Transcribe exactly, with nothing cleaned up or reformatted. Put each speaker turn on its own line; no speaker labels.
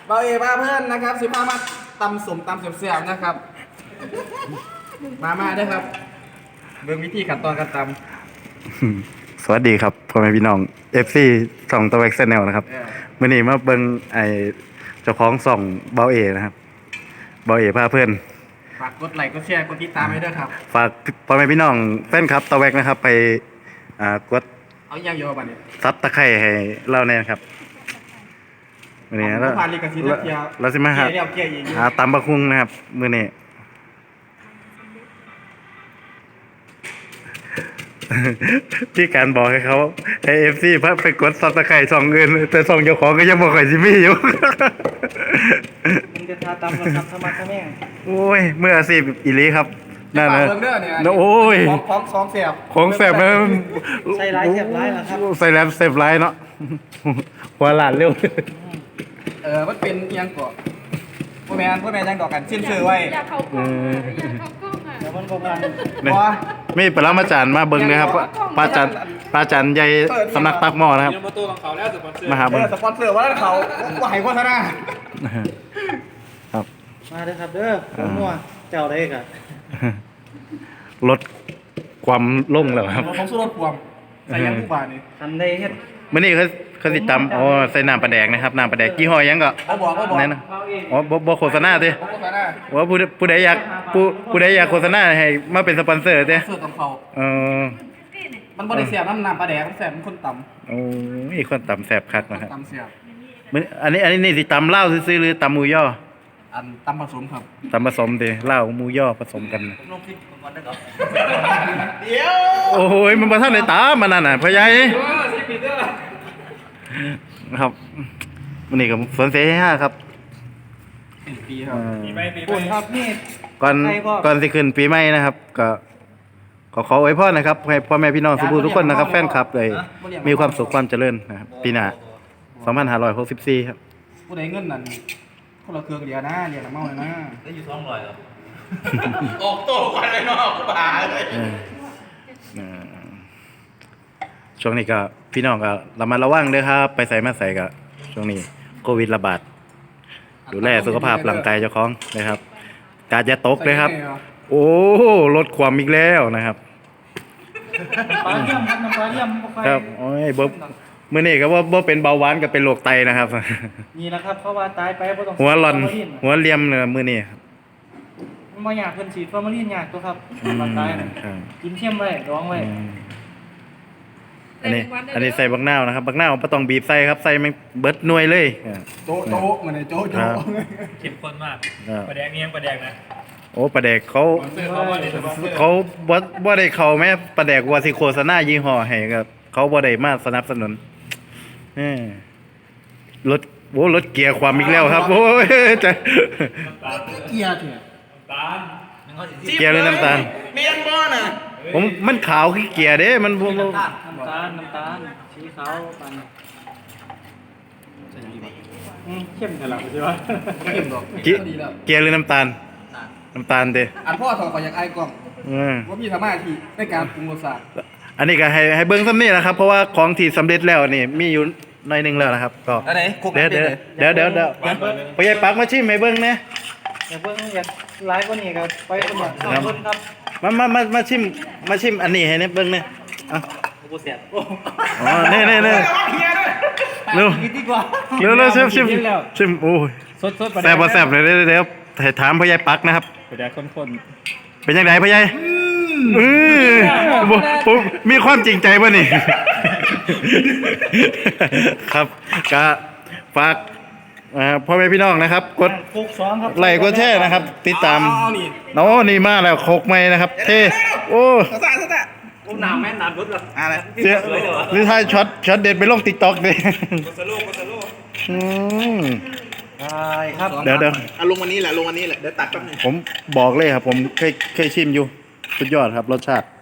เบาเอบ้าเพื่อนนะครับสิบห้ามาตำสมตำเสียบๆนะครับมามาด้วยครับเบิ่งวิธีขั้นตอนการตำ
สวัสดีครับพ่อแม่พี่น้อง เอฟ ซี ส่องตะแวกแนลนะครับมื่อนี้มาเบิ่งไอเจ้าของส่องเบาเอนะครับเบาเอพาเพื่อน
ฝากกดไลค์กดแชร์กดติดตามให้ด้วยครับ
ฝากพ่อแม่พี่น้องแฟนครับตะแวกนะครับไปอ่ากด
เอาอย่างเดียวบัดนี้
ซับตะไคร้ให้เราเนี่ยครับมื่อนี้แล้วเราสิมาหาหาตำบักหุ่งนะครับมื่อนี้ที่การบอกให้เขาให้เอฟซีเพิ่มไปกดซับตะไคร้สองเงินแต่สองเจ้าของก็ยังบอกไข่ซิมี่อยู่
มึงจะทาตำนะครับทำมาทำแม่
โอ้ยเมื่อสิบอีลีครับ
นั่นนะ
โอ้ย
ของของเสียบ
ของเสียบมัน
ใส่ร้ายเสียบร้ายเหรอครับ
ใส่แล้วเสียบร้ายเนาะหัวหลานเร็ว
เออมันเป็นยังก่อพ่อแม่พ่อแม่ยังก่อกันชิ้นซื้อไว้
อยากเขากล้องอยากเขากล้องอ่ะ
เดี๋ยวมันก็กัน
ไม่ปลามาจานมาเบิ้งนะครับปลาจานปลาจานใหญ่สำนักตักหม้อนะครับมาหาเบิ้ง
สปอนเซอร์ว่าเขาว่าให้โฆษณา
ครับ
มาเลยครับเด้อผมนัวเจ้าได้กัน
ลดความล่งแล้วครับ
ผมสู้รถความใส่ยังผู้บานี่ทันได้เฮ็ด
มื่อนี้เขาเขาติดตามอ๋อใส่น้ำปลาแดกนะครับน้ำปลาแดกกี่ห้อยังก็
บอกก็บอก
นั่นนะอ๋อบ่บ่โฆษณาติว่าผู้ผู้ใดอยากผู้ผู้ใดอยากโฆษณาให้มาเป็นสปอนเซอร์ติ
สปอนเซอร์ของเขา
เออ
มันบ่ได้เสียบน้ำน้ำปลาแดกมันแสบมันคนต่ำ
โอ้ยคนต่ำแสบคักนะครับ
ต่ำเสียบ
อันนี้อันนี้นี่สิตำเหล้าซื้อหรือตำหมูย่อ
อันตำผสมครับ
ตำผสมดิเหล้าหมูย่อผสมกัน
ผมลงคลิปก่อนได้ก่อนเดี๋ยว
โอ้ยมันบ่ทันได้ตามมันนั่นน่ะพ่อใหญ่ครับวันนี้กับสวนเสรีห้าครับ
ปีครับปีใหม่ปีใหม่ครับนี่
ก่อนก่อนสิขึ้นปีใหม่นะครับก็ขอขออวยพรนะครับให้พ่อแม่พี่น้องสุภาพทุกคนนะครับแฟนคลับเลยมีความสุขความเจริญนะครับปีหน้าสองพันห้าร้อยหกสิบสี่ครับ
ผู้ใดเงินนั่นคนละเครื่องเดียวนะเดียวละเมาเลยนะได้อยู่สองร้อยเหรอออกโตกันเลยเนาะป่าเลย
ช่วงนี้ก็พี่น้องก็ระมัดระวังด้วยครับไปใส่มาใส่ก็ช่วงนี้โควิดระบาดดูแลสุขภาพร่างกายเจ้าของนะครับกาจะตกเลยครับโอ้ลดความอีกแล้วนะครับ
ปลาเยี่ยมน้ำปลาเยี่ยม
ครับโอ้ยบ่มื้อนี้ก็บ่บ่เป็นเบาหวานก็เป็นโรคไตนะครับ
นี่แหละครับเพราะว่าตายไปบ่ต้อง
หัวหล่อนหัวเลี่ยมเนี่ยมื้อนี้
มันบ่อยากเพิ่นฉีดฟอร์มาลีนยากตัวครับมาตายกินเค็มไว้ดองไว้
อันนี้อันนี้ใส่บักนาวนะครับบักนาวไม่ต้องบีบใส่ครับใส่มันเบิดหน่วยเลย
โจ๊ะโจ๊ะมันเลยโจ๊ะโจ๊ะ
เข้มข้นมากปลาแดกนี่ยังปลาแดกนะ
โอ้ปลาแดกเขาเขาบ่บ่ได้เขาแม่ปลาแดกว่าสิโฆษณายี่ห้อให้ครับเขาบ่ได้มาสนับสนุนรถโอ้รถเกียร์ความอีกแล้วครับโอ้ยจะ
เกียร์เถอะ
เกียร์หรือน้ำตาล
เมียนบ่น่ะ
ผมมันขาวขี้เกียร์เด้มัน
น้ำตาลน้ำตาลน้ำตาลสีขาวปันเข้มแต่ละใช่ไหมเข้มหรอก
เกียร์หรือน้ำตาลน้ำตาลเด้
อันพ่อถอดขออยากไอ้กล้องว่ามีธรรมะที่ในการปรุงรสชาติ
อันนี้ก็ให้ให้เบิ้งซ้ำนี่นะครับเพราะว่าของที่สำเร็จแล้วนี่มีอยู่หน่อยนึงแล้วนะครับก็เดี๋ยวเดี๋ยวเดี๋ยวเดี๋ยวเดี๋ยวไปยัยปักมาชิมให้เบิ้งนะ
อยากเบิ้งอยากไลฟ์กว่านี้ครับไปคนละสองคนครับ
มามามามาชิมมาชิมอันนี้ให้เนี่ยเบิ้งเนี่ยอ่ะ
โอ้เสียบ
อ๋อเน่เน่เน่เร็วเร็วเร็วชิมชิมชิมโอ้ยแซ่บแซ่บเลยเดี๋ยวให้ถามพ่อใหญ่ปักนะครับ
ไปแดกคน
ๆเป็นยังไงพ่อใหญ่อือผมมีความจริงใจป่ะนี่ครับก็ฝากพ่อแม่พี่น้องนะครับกดไลค์กดแชร์นะครับติดตามโน้นี่มาแล้วโคกไม้นะครับเท่โอ้
หนาวแม่หนาวรุดเหรอ
อะไรเสียหรือถ้าช็อตช็อตเด็ดไปลงติ๊กต็อกเลย
โคสโลโคสโล
อืม
ใช่ครับ
เดี๋ยวเดี๋ยว
ลงวันนี้แหละลงวันนี้แหละเดี๋ยวตัดแป๊บนึง
ผมบอกเลยครับผมเคยเคยชิมอยู่สุดยอดครับรสชาติ